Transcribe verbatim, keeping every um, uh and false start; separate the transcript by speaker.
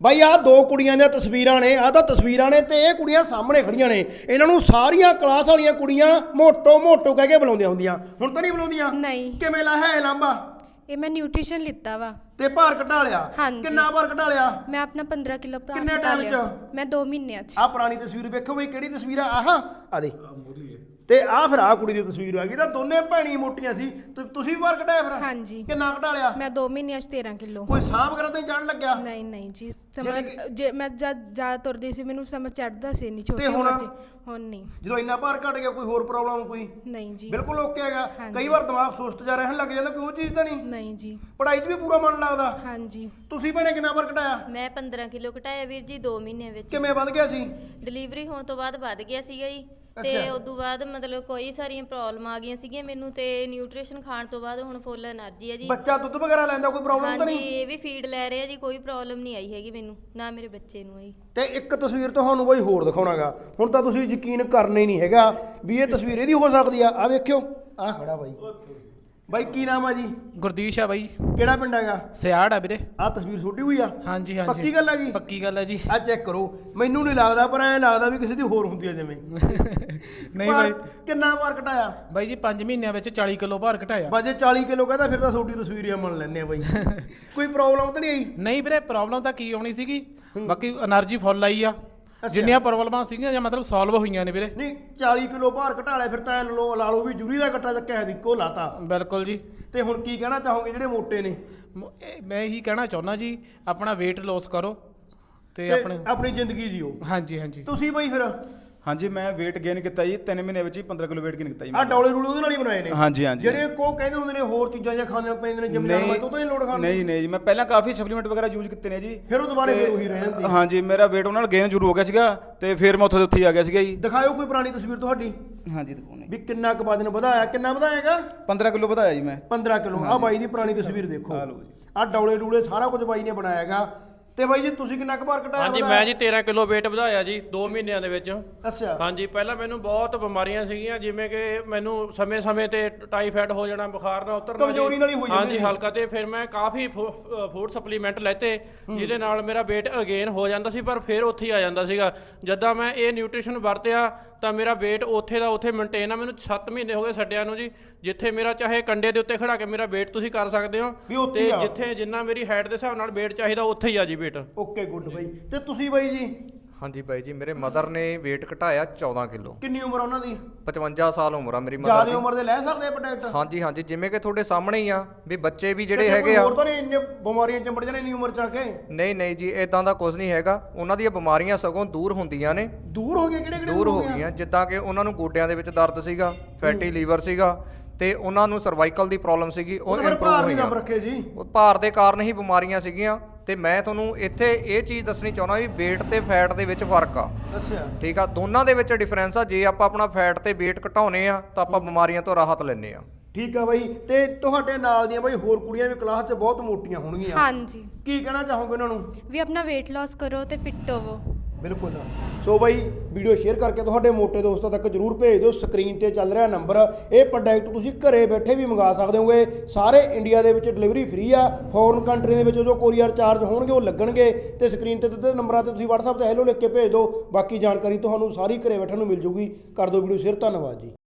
Speaker 1: ਬਾਈ ਆਹ ਦੋ ਕੁੜੀਆਂ ਦੀਆਂ ਤਸਵੀਰਾਂ ਨੇ, ਆਹ ਤਾਂ ਤਸਵੀਰਾਂ ਨੇ ਤੇ ਇਹ ਕੁੜੀਆਂ ਸਾਹਮਣੇ ਖੜੀਆਂ ਨੇ। ਇਹਨਾਂ ਨੂੰ ਸਾਰੀਆਂ ਕਲਾਸ ਵਾਲੀਆਂ ਕੁੜੀਆਂ ਮੋਟੋ ਮੋਟੋ ਕਹਿ ਕੇ ਬੁਲਾਉਂਦੀਆਂ ਹੁੰਦੀਆਂ, ਹੁਣ ਤਾਂ ਨਹੀਂ ਬੁਲਾਉਂਦੀਆਂ?
Speaker 2: ਨਹੀਂ।
Speaker 1: ਕਿਵੇਂ ਲਾ ਹੈ ਲਾਂਬਾ?
Speaker 2: ਇਹ ਮੈਂ ਨਿਊਟ੍ਰੀਸ਼ਨ ਲਿੱਤਾ ਵਾ
Speaker 1: ਤੇ ਭਾਰ ਘਟਾ ਲਿਆ?
Speaker 2: ਹਾਂਜੀ।
Speaker 1: ਕਿੰਨਾ ਭਾਰ ਘਟਾ ਲਿਆ?
Speaker 2: ਮੈਂ ਆਪਣਾ ਪੰਦਰਾਂ ਕਿਲੋ ਭਾਰ
Speaker 1: ਕਿੰਨੇ
Speaker 2: ਘਟਾ
Speaker 1: ਟਾਈਮ
Speaker 2: ਲਿਆ।
Speaker 1: ਚ?
Speaker 2: ਮੈਂ ਦੋ ਮਹੀਨਿਆਂ ਚ।
Speaker 1: ਆਹ ਪੁਰਾਣੀ ਤਸਵੀਰ ਵੇਖੋ ਬਈ, ਕਿਹੜੀ ਤਸਵੀਰ ਆ? ਆਹ ਆ ਦੇ ਤੇ ਆਹ ਫਿਰ ਆਹ ਕੁੜੀ ਦੀ ਤਸਵੀਰ ਆ ਗਈ। ਤਾਂ ਦੋਨੇ ਭੈਣੀ ਮੋਟੀਆਂ ਸੀ। ਤੁ- ਤੁਸੀਂ ਭਾਰ ਘਟਾਇਆ ਫਿਰ?
Speaker 2: ਹਾਂਜੀ।
Speaker 1: ਕਿੰਨਾ ਘਟਾ ਲਿਆ?
Speaker 2: ਮੈਂ ਦੋ ਮਹੀਨਿਆਂ ਚ ਤੇਰਾਂ ਕਿਲੋ।
Speaker 1: ਕੋਈ ਸਾਹ ਵਗੈਰਾ ਤੇ ਜਾਣ ਲੱਗਿਆ?
Speaker 2: ਨਹੀਂ ਨਹੀਂ ਜੀ, ਸਮਝ ਜੇ ਮੈਂ ਜਦ ਜ਼ਿਆਦਾ ਤੁਰਦੀ ਸੀ ਮੈਨੂੰ ਸਮਝ ਚੜਦਾ ਸੀ ਨਹੀਂ ਛੋਟੀ
Speaker 1: ਤੇ ਹੁਣ?
Speaker 2: ਉਮਰ ਚ। ਹੁਣ ਨਹੀਂ।
Speaker 1: ਜਦੋਂ ਇੰਨਾ ਭਾਰ ਘਟ ਗਿਆ ਕੋਈ ਹੋਰ ਪ੍ਰੋਬਲਮ ਕੋਈ?
Speaker 2: ਨਹੀਂ ਜੀ।
Speaker 1: ਬਿਲਕੁਲ ਓਕੇ ਹੈਗਾ।
Speaker 2: ਹਾਂਜੀ।
Speaker 1: ਕਈ ਵਾਰ ਦਿਮਾਗ ਸੁਸਤ ਜਾ ਰਹਿਣ ਲੱਗ ਜਾਂਦਾ, ਕੋਈ ਉਹ ਚੀਜ਼ ਤਾਂ ਨਹੀਂ?
Speaker 2: ਨਹੀਂ ਜੀ।
Speaker 1: ਪੜ੍ਹਾਈ 'ਚ ਵੀ ਪੂਰਾ ਮਨ ਲੱਗਦਾ?
Speaker 2: ਹਾਂਜੀ।
Speaker 1: ਤੁਸੀਂ ਭੈਣੇ ਕਿੰਨਾ ਭਾਰ ਘਟਾਇਆ?
Speaker 3: ਮੈਂ ਪੰਦਰਾਂ ਕਿਲੋ ਘਟਾਇਆ ਵੀਰ ਜੀ ਦੋ ਮਹੀਨਿਆਂ ਵਿੱਚ।
Speaker 1: ਕਿਵੇਂ ਵੱਧ ਗਿਆ ਸੀ?
Speaker 3: ਡਿਲੀਵਰੀ ਹੋਣ ਤੋਂ ਬਾਅਦ ਵੱਧ ਗਿਆ ਸੀਗਾ ਜੀ। ਤੇ
Speaker 1: ਅੱਛਾ।
Speaker 3: ਉਦੋਂ ਬਾਅਦ ਮਤਲਬ ਕੋਈ ਸਾਰੀਆਂ ਪ੍ਰੋਬਲਮ ਆ ਗਈਆਂ ਸੀਗੀਆਂ ਮੈਨੂੰ, ਤੇ ਨਿਊਟ੍ਰੀਸ਼ਨ ਖਾਣ ਤੋਂ ਬਾਅਦ ਹੁਣ ਫੁੱਲ એનર્ਜੀ ਹੈ ਜੀ।
Speaker 1: ਬੱਚਾ ਦੁੱਧ ਵਗੈਰਾ ਲੈਂਦਾ, ਕੋਈ ਪ੍ਰੋਬਲਮ ਤਾਂ
Speaker 3: ਹਾਂਜੀ,
Speaker 1: ਨਹੀਂ?
Speaker 3: ਇਹ ਵੀ ਫੀਡ ਲੈ ਰਿਹਾ ਜੀ, ਕੋਈ ਪ੍ਰੋਬਲਮ ਨਹੀਂ ਆਈ ਹੈਗੀ ਮੈਨੂੰ, ਨਾ ਮੇਰੇ ਬੱਚੇ ਨੂੰ ਆਈ।
Speaker 1: ਤੇ ਇੱਕ ਤਸਵੀਰ ਤੁਹਾਨੂੰ ਬਈ ਹੋਰ ਦਿਖਾਉਣਾਗਾ। ਹੁਣ ਤਾਂ ਤੁਸੀਂ ਯਕੀਨ ਕਰਨਾ ਹੀ ਨਹੀਂ ਹੈਗਾ ਵੀ ਇਹ ਤਸਵੀਰ ਇਹਦੀ ਹੋ ਸਕਦੀ ਆ। ਆ ਵੇਖਿਓ, ਆ ਖੜਾ ਬਾਈ। ਬਾਈ ਕੀ ਨਾਮ ਆ ਜੀ?
Speaker 4: ਗੁਰਦੀਸ਼ ਆ ਬਾਈ।
Speaker 1: ਕਿਹੜਾ ਪਿੰਡ ਹੈਗਾ?
Speaker 4: ਸਿਆੜ ਆ ਵੀਰੇ।
Speaker 1: ਆ ਤਸਵੀਰ ਛੋਟੀ ਹੋਈ ਆ?
Speaker 4: ਹਾਂਜੀ ਹਾਂਜੀ।
Speaker 1: ਪੱਕੀ ਗੱਲ ਹੈਗੀ?
Speaker 4: ਪੱਕੀ ਗੱਲ ਹੈ ਜੀ।
Speaker 1: ਆ ਚੈੱਕ ਕਰੋ। ਮੈਨੂੰ ਨਹੀਂ ਲੱਗਦਾ, ਪਰ ਐਂ ਲੱਗਦਾ ਵੀ ਕਿਸੇ ਦੀ ਹੋਰ ਹੁੰਦੀ ਆ ਜਿਵੇਂ।
Speaker 4: ਨਹੀਂ ਬਾਈ।
Speaker 1: ਕਿੰਨਾ ਭਾਰ ਘਟਾਇਆ?
Speaker 4: ਬਾਈ ਜੀ ਪੰਜ ਮਹੀਨਿਆਂ ਵਿੱਚ ਚਾਲੀ ਕਿਲੋ ਭਾਰ ਘਟਾਇਆ।
Speaker 1: ਬਾਜੇ ਚਾਲੀ ਕਿਲੋ ਕਹਿੰਦਾ, ਫਿਰ ਤਾਂ ਤੁਹਾਡੀ ਤਸਵੀਰ ਹੀ ਮੰਨ ਲੈਣੇ ਆ ਬਾਈ। ਕੋਈ ਪ੍ਰੋਬਲਮ ਤਾਂ ਨਹੀਂ ਆਈ?
Speaker 4: ਨਹੀਂ ਵੀਰੇ, ਪ੍ਰੋਬਲਮ ਤਾਂ ਕੀ ਆਉਣੀ ਸੀਗੀ, ਬਾਕੀ એનર્ਜੀ ਫੁੱਲ ਆਈ ਆ। ਜਿੰਨੀਆਂ ਪ੍ਰੋਬਲਮਾਂ ਸੀਗੀਆਂ ਜਾਂ ਮਤਲਬ ਸੋਲਵ ਹੋਈਆਂ ਨੇ ਵੀਰੇ।
Speaker 1: ਨਹੀਂ ਚਾਲੀ ਕਿਲੋ ਭਾਰ ਘਟਾ ਲਿਆ, ਫਿਰ ਤਾਂ ਐਂ ਲੋ ਲਾ ਲਓ ਵੀ ਜੂਰੀ ਦਾ ਕੱਟਾ ਚੱਕਿਆ ਹੈ, ਇੱਕੋ ਲਾਤਾ।
Speaker 4: ਬਿਲਕੁਲ ਜੀ।
Speaker 1: ਤੇ ਹੁਣ ਕੀ ਕਹਿਣਾ ਚਾਹੋਗੇ ਜਿਹੜੇ ਮੋਟੇ ਨੇ?
Speaker 4: ਮ- ਇਹ ਮੈਂ ਇਹੀ ਕਹਿਣਾ ਚਾਹੁੰਦਾ ਜੀ, ਆਪਣਾ weight loss ਕਰੋ ਤੇ
Speaker 1: ਤੇ
Speaker 4: ਆਪਣੇ।
Speaker 1: ਆਪਣੀ ਜ਼ਿੰਦਗੀ ਜੀਓ।
Speaker 4: ਹਾਂਜੀ ਹਾਂਜੀ।
Speaker 1: ਤੁਸੀਂ ਬਾਈ ਫਿਰ
Speaker 5: ਹਾਂਜੀ ਮੈਂ weight gain ਕੀਤਾ ਜੀ ਤਿੰਨ ਮਹੀਨੇ ਵਿੱਚ ਹੀ ਪੰਦਰਾਂ ਕਿਲੋ weight gain ਕੀਤਾ ਜੀ
Speaker 1: ਆ
Speaker 5: ਮੈਂ।
Speaker 1: ਡੌਲੇ ਡੂਲੇ ਉਹਦੇ ਨਾਲ ਹੀ ਬਣਾਏ ਨੇ?
Speaker 5: ਹਾਂਜੀ ਹਾਂਜੀ।
Speaker 1: ਜਿਹੜੇ ਕੋ ਕਹਿੰਦੇ ਹੁੰਦੇ ਨੇ ਹੋਰ ਚੀਜ਼ਾਂ ਜਾਂ ਖਾਣੇ ਪੈਂਦੇ ਨੇ ਜਿਮ ਜਾਣ ਵਾਸਤੇ, ਉਹ ਤਾਂ ਨਹੀਂ ਲੋੜ ਖਾਣ ਦੀ?
Speaker 5: ਨਹੀਂ ਨਹੀਂ ਜੀ, ਮੈਂ ਪਹਿਲਾਂ ਕਾਫੀ ਸਪਲੀਮੈਂਟ ਵਗੈਰਾ ਯੂਜ਼ ਕੀਤੇ ਨੇ ਜੀ।
Speaker 1: ਫਿਰ ਉਹ ਦੁਬਾਰੇ
Speaker 5: ਤੇ-
Speaker 1: ਫਿਰ ਉਹੀ ਰਹਿ ਜਾਂਦੀ?
Speaker 5: ਹਾਂਜੀ, ਮੇਰਾ weight ਉਹਨਾਂ ਨਾਲ ਗੇਨ ਸ਼ੁਰੂ ਹੋ ਗਿਆ ਸੀਗਾ ਤੇ ਫਿਰ ਮੈਂ ਉੱਥੇ ਦੇ ਉੱਥੇ ਹੀ ਆ ਗਿਆ ਸੀਗਾ ਜੀ।
Speaker 1: ਦਿਖਾਇਓ ਕੋਈ ਪੁਰਾਣੀ ਤਸਵੀਰ ਤੁਹਾਡੀ
Speaker 5: ਹਾਂਜੀ ਦਿਖਾਉਣੇ।
Speaker 1: ਵੀ ਕਿੰਨਾ ਕੁ ਵਜਨ ਵਧਾਇਆ, ਕਿੰਨਾ ਵਧਾਇਆਗਾ?
Speaker 5: ਪੰਦਰਾਂ ਕਿਲੋ ਵਧਾਇਆ ਜੀ ਮੈਂ।
Speaker 1: ਪੰਦਰਾਂ ਕਿਲੋ। ਆ ਬਾਈ ਦੀ ਪੁਰਾਣੀ ਤਸਵੀਰ ਦੇਖੋ।
Speaker 5: ਆ ਲਓ ਜੀ।
Speaker 1: ਆ ਡੌਲੇ ਡੂਲੇ ਸਾਰਾ ਕੁਝ ਬਾਈ ਨੇ ਬਣਾਇਆਗਾ। ਤੇ ਬਾਈ ਜੀ ਤੁਸੀਂ ਕਿੰਨਾ ਕੁ ਭਾਰ ਘਟਾਇਆ?
Speaker 6: ਹਾਂਜੀ ਮੈਂ ਜੀ ਤੇਰਾਂ ਕਿਲੋ weight ਵਧਾਇਆ ਜੀ ਦੋ ਮਹੀਨਿਆਂ ਦੇ ਵਿੱਚ।
Speaker 1: ਅੱਛਾ।
Speaker 6: ਹਾਂਜੀ, ਪਹਿਲਾਂ ਮੈਨੂੰ ਬਹੁਤ ਬਿਮਾਰੀਆਂ ਸੀਗੀਆਂ, ਜਿਵੇਂ ਕਿ ਮੈਨੂੰ ਸਮੇਂ-ਸਮੇਂ ਤੇ ਟਾਈਫਾਇਡ ਹੋ ਜਾਣਾ, ਬੁਖਾਰ ਨਾ ਉਤਰਨਾ।
Speaker 1: ਕਮਜ਼ੋਰੀ ਨਾਲ ਹੀ ਹੋ ਜਾਂਦੀ
Speaker 6: ਹਾਂਜੀ
Speaker 1: ਸੀ।
Speaker 6: ਹਲਕਾ। ਤੇ ਫਿਰ ਮੈਂ ਕਾਫੀ ਫੂਡ ਸਪਲੀਮੈਂਟ ਲੈਤੇ, ਜਿਹਦੇ ਨਾਲ ਮੇਰਾ weight ਅਗੇਨ ਹੋ ਜਾਂਦਾ ਸੀ, ਪਰ ਫਿਰ ਉੱਥੇ ਹੀ ਆ ਜਾਂਦਾ ਸੀਗਾ। ਜਦੋਂ ਮੈਂ ਇਹ ਨਿਊਟ੍ਰੀਸ਼ਨ ਵਰਤਿਆ ਤਾਂ ਮੇਰਾ weight ਉੱਥੇ ਦਾ ਉੱਥੇ ਮੇਨਟੇਨ ਆ। ਮੈਨੂੰ ਸੱਤ ਮਹੀਨੇ ਹੋ ਗਏ ਛੱਡਿਆਂ ਨੂੰ ਜੀ। ਜਿੱਥੇ ਮੇਰਾ ਚਾਹੇ ਕੰਡੇ ਦੇ ਉੱਤੇ ਖੜਾ ਕੇ ਮੇਰਾ weight ਤੁਸੀਂ ਕਰ ਸਕਦੇ ਹੋ,
Speaker 1: ਵੀ ਉੱਥੇ
Speaker 6: ਤੇ
Speaker 1: ਹੀ ਆ।
Speaker 6: ਜਿੱਥੇ ਜਿੰਨਾ ਮੇਰੀ ਹਾਈਟ ਦੇ ਹਿਸਾਬ ਨਾਲ weight ਚਾਹੀਦਾ ਉੱਥੇ ਹੀ ਆ ਜੀ weight।
Speaker 1: ਓਕੇ ਗੁੱਡ ਬਾਈ। ਤੇ ਤੁਸੀਂ ਬਾਈ ਜੀ?
Speaker 7: ਹਾਂਜੀ ਬਾਈ ਜੀ, ਮੇਰੇ ਮਦਰ ਨੇ weight ਘਟਾਇਆ ਚੌਦਾਂ ਕਿਲੋ।
Speaker 1: ਕਿੰਨੀ ਉਮਰ ਉਹਨਾਂ ਦੀ?
Speaker 7: ਪਚਵੰਜਾ ਸਾਲ ਉਮਰ ਆ ਮੇਰੀ ਮਦਰ
Speaker 1: ਜਿਆਦਾ
Speaker 7: ਦੀ।
Speaker 1: ਉਮਰ ਦੇ ਲੈ ਸਕਦੇ ਆ ਪ੍ਰੋਡਕਟ?
Speaker 7: ਹਾਂਜੀ ਹਾਂਜੀ, ਜਿਵੇਂ ਕਿ ਤੁਹਾਡੇ ਸਾਹਮਣੇ ਹੀ ਆ ਵੀ ਬੱਚੇ ਵੀ ਜਿਹੜੇ
Speaker 1: ਤੇ
Speaker 7: ਹੈਗੇ ਆ।
Speaker 1: ਹੋਰ ਤਾਂ ਨਹੀਂ ਇੰਨੇ ਬਿਮਾਰੀਆਂ ਚੰਬੜ ਜਾਣੇ ਇੰਨੀ ਉਮਰ ਚ ਆ ਕੇ?
Speaker 7: ਨਹੀਂ ਨਹੀਂ ਜੀ, ਇਦਾਂ ਦਾ ਕੁਝ ਨਹੀਂ ਹੈਗਾ। ਉਹਨਾਂ ਦੀਆਂ ਬਿਮਾਰੀਆਂ ਸਗੋਂ ਦੂਰ ਹੁੰਦੀਆਂ ਨੇ।
Speaker 1: ਦੂਰ ਹੋ ਗਈਆਂ? ਕਿਹੜੇ ਕਿਹੜੇ
Speaker 7: ਦੂਰ ਹੋ ਗਈਆਂ, ਜਿੱਦਾਂ ਕਿ ਉਹਨਾਂ ਨੂੰ ਗੋਡਿਆਂ ਦੇ ਵਿੱਚ ਦਰਦ ਸੀਗਾ, ਫੈਟੀ ਲੀਵਰ ਸੀਗਾ, ਤੇ ਉਹਨਾਂ ਨੂੰ ਸਰਵਾਈਕਲ ਦੀ ਪ੍ਰੋਬਲਮ ਸੀਗੀ, ਉਹ
Speaker 1: ਉਹ ਫਿਰ
Speaker 7: ਇੰਪਰੂਵ
Speaker 1: ਭਾਰ ਨਹੀਂ
Speaker 7: ਹੋਈਆਂ।
Speaker 1: ਦੱਬ ਰੱਖੇ ਜੀ?
Speaker 7: ਉਹ ਭਾਰ ਦੇ ਕਾਰਨ ਹੀ ਬਿਮਾਰੀਆਂ ਸੀਗੀਆਂ। ਤੇ ਮੈਂ ਤੁਹਾਨੂੰ ਇੱਥੇ ਇਹ ਚੀਜ਼ ਦੱਸਣੀ ਚਾਹੁੰਦਾ ਵੀ weight ਤੇ ਫੈਟ ਦੇ ਵਿੱਚ ਫਰਕ ਆ।
Speaker 1: ਅੱਛਾ।
Speaker 7: ਠੀਕ ਆ, ਦੋਨਾਂ ਦੇ ਵਿੱਚ ਡਿਫਰੈਂਸ ਆ। ਜੇ ਆਪਾਂ ਆਪਣਾ ਫੈਟ ਤੇ weight ਘਟਾਉਨੇ ਆ ਤਾਂ ਆਪਾਂ ਬਿਮਾਰੀਆਂ ਤੋਂ ਰਾਹਤ ਲੈਂਦੇ ਆ।
Speaker 1: ਠੀਕ ਆ ਬਾਈ। ਤੇ ਤੁਹਾਡੇ ਨਾਲ ਦੀਆਂ ਬਾਈ ਹੋਰ ਕੁੜੀਆਂ ਵੀ ਕਲਾਸ 'ਚ ਬਹੁਤ ਮੋਟੀਆਂ ਹੋਣਗੀਆਂ।
Speaker 2: ਹਾਂਜੀ।
Speaker 1: ਕੀ ਕਹਿਣਾ ਚਾਹੋਗੇ ਉਹਨਾਂ ਨੂੰ?
Speaker 2: ਵੀ ਆਪਣਾ weight loss ਕਰੋ ਤੇ ਫਿੱਟ ਹੋਵੋ।
Speaker 1: ਬਿਲਕੁਲ। ਸੋ ਬਾਈ ਵੀਡੀਓ ਸ਼ੇਅਰ ਕਰਕੇ ਤੁਹਾਡੇ ਮੋਟੇ ਦੋਸਤਾਂ ਤੱਕ ਜਰੂਰ ਭੇਜ ਦਿਓ। ਸਕਰੀਨ ਤੇ ਚੱਲ ਰਿਹਾ ਨੰਬਰ, ਇਹ ਪ੍ਰੋਡਕਟ ਤੁਸੀਂ ਘਰੇ ਬੈਠੇ ਵੀ ਮੰਗਾ ਸਕਦੇ ਹੋਗੇ। ਸਾਰੇ ਇੰਡੀਆ ਦੇ ਵਿੱਚ ਡਿਲੀਵਰੀ ਫ੍ਰੀ ਆ। ਫੋਰਨ ਕੰਟਰੀ ਦੇ ਵਿੱਚ ਜੋ ਕੋਰੀਅਰ ਚਾਰਜ ਹੋਣਗੇ ਉਹ ਲੱਗਣਗੇ। ਤੇ ਸਕਰੀਨ ਤੇ ਦਿੱਤੇ ਨੰਬਰਾਂ ਤੇ ਤੁਸੀਂ WhatsApp ਤੇ ਹੈਲੋ ਲਿਖ ਕੇ ਭੇਜ ਦਿਓ। ਬਾਕੀ ਜਾਣਕਾਰੀ ਤੁਹਾਨੂੰ ਸਾਰੀ ਘਰੇ ਬੈਠਣ ਨੂੰ ਮਿਲ ਜੂਗੀ। ਕਰ ਦਿਓ ਵੀਡੀਓ ਸ਼ੇਅਰ। ਧੰਨਵਾਦ ਜੀ।